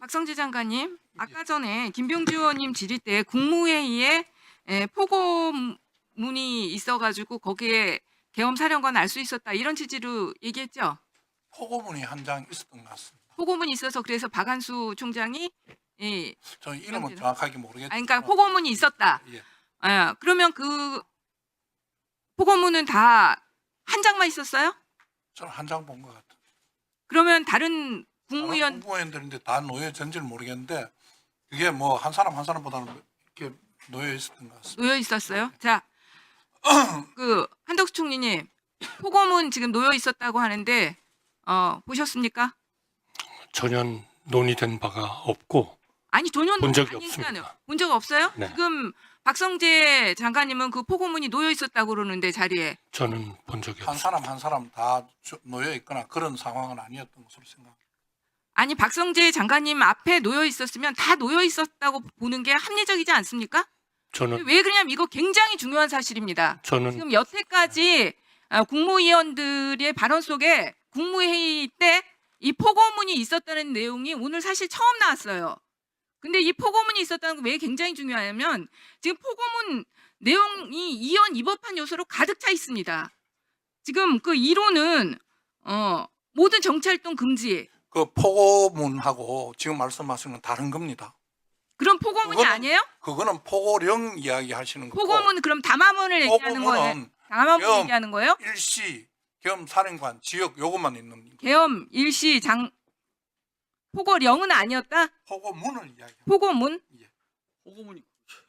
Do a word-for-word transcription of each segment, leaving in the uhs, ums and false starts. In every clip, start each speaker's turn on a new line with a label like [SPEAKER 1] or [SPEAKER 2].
[SPEAKER 1] 박성재 장관님, 아까 전에 김병주 의원님 질의 때 국무회의에 에, 포고문이 있어가지고 거기에 계엄사령관 알 수 있었다 이런 취지로 얘기했죠.
[SPEAKER 2] 포고문이 한 장 있었던 것 같습니다.
[SPEAKER 1] 포고문이 있어서 그래서 박한수 총장이 예,
[SPEAKER 2] 저는 이름은
[SPEAKER 1] 그런데는-
[SPEAKER 2] 정확하게 모르겠지만.
[SPEAKER 1] 아니, 그러니까 포고문이 있었다.
[SPEAKER 2] 예.
[SPEAKER 1] 아, 그러면 그 포고문은 다 한 장만 있었어요?
[SPEAKER 2] 저는 한 장 본 것 같아요.
[SPEAKER 1] 그러면 다른 국무위원
[SPEAKER 2] 다른 국무위원들인데 다 놓여졌는지는 모르겠는데 그게 뭐 한 사람 한 사람보다는 이렇게 놓여 있었던 것 같습니다.
[SPEAKER 1] 놓여 있었어요? 자, 그 한덕수 총리님, 포고문 지금 놓여 있었다고 하는데 어, 보셨습니까?
[SPEAKER 3] 전혀 논의된 바가 없고
[SPEAKER 1] 아니 전혀
[SPEAKER 3] 본 적이
[SPEAKER 1] 아니니까요.
[SPEAKER 3] 없습니다.
[SPEAKER 1] 본 적 없어요?
[SPEAKER 3] 네.
[SPEAKER 1] 지금 박성재 장관님은 그 포고문이 놓여 있었다고 그러는데 자리에
[SPEAKER 3] 저는 본 적이
[SPEAKER 2] 한
[SPEAKER 3] 없습니다.
[SPEAKER 2] 사람 한 사람 다 저- 놓여 있거나 그런 상황은 아니었던 것으로 생각합니다.
[SPEAKER 1] 아니 박성재 장관님 앞에 놓여 있었으면 다 놓여 있었다고 보는 게 합리적이지 않습니까?
[SPEAKER 3] 저는
[SPEAKER 1] 왜 그러냐면 이거 굉장히 중요한 사실입니다.
[SPEAKER 3] 저는
[SPEAKER 1] 지금 여태까지 아, 국무위원들의 발언 속에 국무회의 때 이 포고문이 있었다는 내용이 오늘 사실 처음 나왔어요. 근데 이 포고문이 있었다는 게 왜 굉장히 중요하냐면 지금 포고문 내용이 이원 이법한 요소로 가득 차 있습니다. 지금 그 이론은 어, 모든 정치활동 금지.
[SPEAKER 2] 그 포고문하고 지금 말씀하시는 건 다른 겁니다.
[SPEAKER 1] 그런 포고문이
[SPEAKER 2] 그거는-
[SPEAKER 1] 아니에요?
[SPEAKER 2] 그거는 포고령 이야기 하시는 거고
[SPEAKER 1] 포고문 그럼 담화문을 얘기하는 거예요?
[SPEAKER 2] 포고문은
[SPEAKER 1] 담화문
[SPEAKER 2] 계엄,
[SPEAKER 1] 얘기하는 거예요?
[SPEAKER 2] 일시 겸 사령관 지역 요것만 있는 겁니다.
[SPEAKER 1] 계엄 일시 장 포고령은 아니었다?
[SPEAKER 2] 포고문을 이야기합니다.
[SPEAKER 1] 포고문?
[SPEAKER 4] 포고문이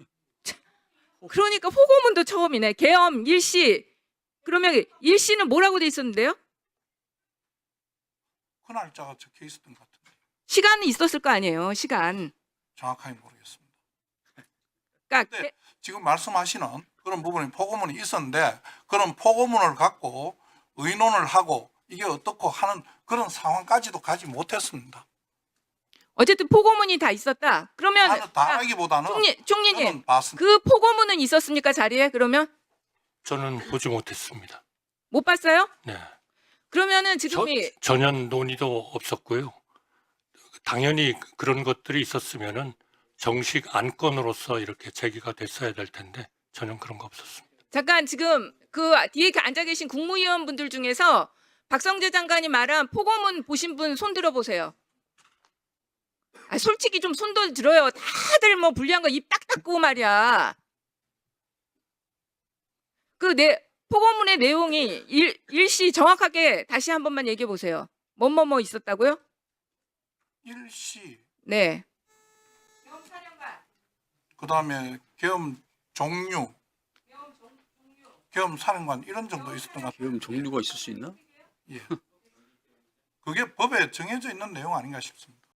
[SPEAKER 1] 그러니까 포고문도 처음이네. 계엄 일시. 그러면 일시는 뭐라고 돼 있었는데요?
[SPEAKER 2] 그 날짜가 적혀 있었던 것 같은데
[SPEAKER 1] 시간은 있었을 거 아니에요. 시간.
[SPEAKER 2] 정확하게 모르겠습니다.
[SPEAKER 1] 그러니까
[SPEAKER 2] 네.
[SPEAKER 1] 게-
[SPEAKER 2] 지금 말씀하시는 그런 부분이 포고문이 있었는데 그런 포고문을 갖고 의논을 하고 이게 어떻고 하는 그런 상황까지도 가지 못했습니다.
[SPEAKER 1] 어쨌든 포고문이 다 있었다. 그러면
[SPEAKER 2] 다, 다
[SPEAKER 1] 아,
[SPEAKER 2] 하기보다는
[SPEAKER 1] 총리, 총리님
[SPEAKER 2] 저는 봤습니다.
[SPEAKER 1] 그 포고문은 있었습니까? 자리에? 그러면
[SPEAKER 3] 저는 보지 못했습니다.
[SPEAKER 1] 못 봤어요?
[SPEAKER 3] 네.
[SPEAKER 1] 그러면은
[SPEAKER 3] 저,
[SPEAKER 1] 지금이
[SPEAKER 3] 전혀 논의도 없었고요. 당연히 그런 것들이 있었으면은 정식 안건으로서 이렇게 제기가 됐어야 될 텐데 전혀 그런 거 없었습니다.
[SPEAKER 1] 잠깐 지금 그 뒤에 앉아 계신 국무위원분들 중에서 박성재 장관이 말한 포고문 보신 분 손 들어 보세요. 아, 솔직히 좀 손도 들어요. 다들 뭐 불리한 거 입 딱 닫고 말이야. 그 내 포고문의 내용이 일, 일시 정확하게 다시 한 번만 얘기해 보세요. 뭐뭐뭐 있었다고요?
[SPEAKER 2] 일시
[SPEAKER 1] 네.
[SPEAKER 2] 그다음에 계엄 종류 계엄 사령관 이런 정도 있었던 것 같아요.
[SPEAKER 4] 계엄 종류가 있을 수 있나?
[SPEAKER 2] 예. 그게 법에 정해져 있는 내용 아닌가 싶습니다.